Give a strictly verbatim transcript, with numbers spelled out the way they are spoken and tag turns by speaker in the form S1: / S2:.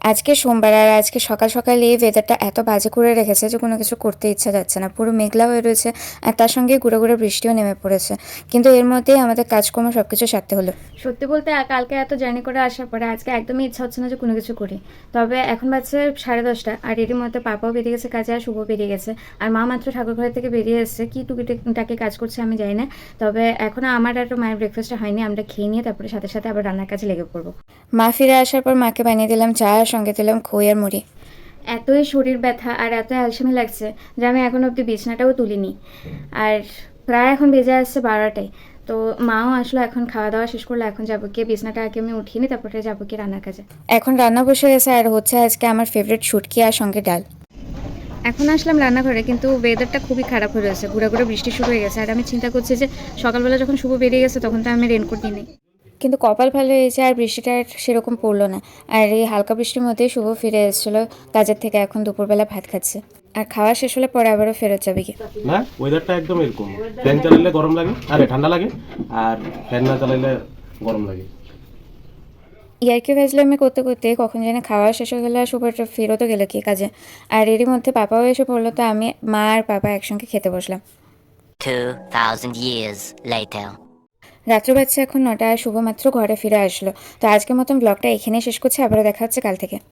S1: আজকে সোমবার আর আজকে সকাল সকাল এই ওয়েদারটা এত বাজে করে রেখেছে যে কোনো কিছু করতে ইচ্ছা যাচ্ছে না, পুরো মেঘলা হয়ে রয়েছে আর তার সঙ্গে গুঁড়ো গুঁড়ো বৃষ্টিও নেমে পড়েছে। কিন্তু এর মধ্যেই আমাদের কাজকর্ম সব কিছু সারতে হলো। সত্যি বলতে কালকে এত জার্নি করে আসার পরে আজকে একদমই ইচ্ছা হচ্ছে না যে কোনো কিছু করি। তবে এখন বাজছে সাড়ে দশটা আর এরই মধ্যে পাপাও বেরিয়ে গেছে কাজে আর শুভ বেরিয়ে গেছে, আর মা মাত্র ঠাকুর ঘর থেকে বেরিয়ে এসেছে, কি টুকিটাকি কাজ করছে আমি জানি না। তবে এখনও আমার আর মায়ের ব্রেকফাস্টটা হয়নি, আমরা খেয়ে নিয়ে তারপরে সাথে সাথে আবার রান্নার কাজে লেগে পড়বো। মা ফিরে আসার পর মাকে বানিয়ে দিলাম চা আর সঙ্গে দিলাম খই আর মুড়ি। এতই শরীর ব্যথা আর এত অ্যালসামি লাগছে যে আমি এখন অবধি বিছনাটাও তুলিনি। আর প্রায় এখন বেজে আসছে বারোটায়। তো মাও আসলো, এখন খাওয়া দাওয়া শেষ করলো, এখন যাবো গিয়ে বিছনাটা আগে আমি উঠিয়ে নিই, তারপরে যাবো কি রান্নার কাজে। এখন রান্না বসে গেছে আর হচ্ছে আজকে আমার ফেভারিট শুটকি আর সঙ্গে ডাল। এখন আসলাম রান্নাঘরে, কিন্তু ওয়েদারটা খুবই খারাপ হয়ে রয়েছে, ঘুরে ঘুরে বৃষ্টি শুরু হয়ে গেছে। আর আমি চিন্তা করছি যে সকালবেলা যখন শুভ বেরিয়ে গেছে তখন তো আমি রেনকোট নিই, কিন্তু কপাল ভালো হয়েছে আর বৃষ্টিটা আর সেরকম পড়লো না। আর এই হালকা বৃষ্টির মধ্যেই শুভ ফিরে এসেছিলো কাজের থেকে, এখন দুপুরবেলা ভাত খাচ্ছে আর খাওয়া শেষ হলে পরে আবারও ফেরত যাবে কি
S2: না। ওয়েদারটা একদম এরকম, ফ্যান চালাইলে গরম লাগে, আরে ঠান্ডা লাগে, আর ফ্যান না চালাইলে গরম লাগে।
S1: ইয়ার্কি ফাজলামি করতে করতে কখন জানি খাওয়া শেষ হয়ে গেলো আর শুভটা ফেরতও গেলো কি কাজে। আর এরই মধ্যে পাপাও এসে পড়লো, তো আমি মা আর পাপা একসঙ্গে খেতে বসলাম।
S3: two thousand years later.
S1: রাত্র বাজছে এখন নটা আর শুভ মাত্র ঘরে ফিরে আসলো। তো আজকের মতন ব্লগটা এখানেই শেষ করছি, আবারও দেখা হচ্ছে কাল থেকে।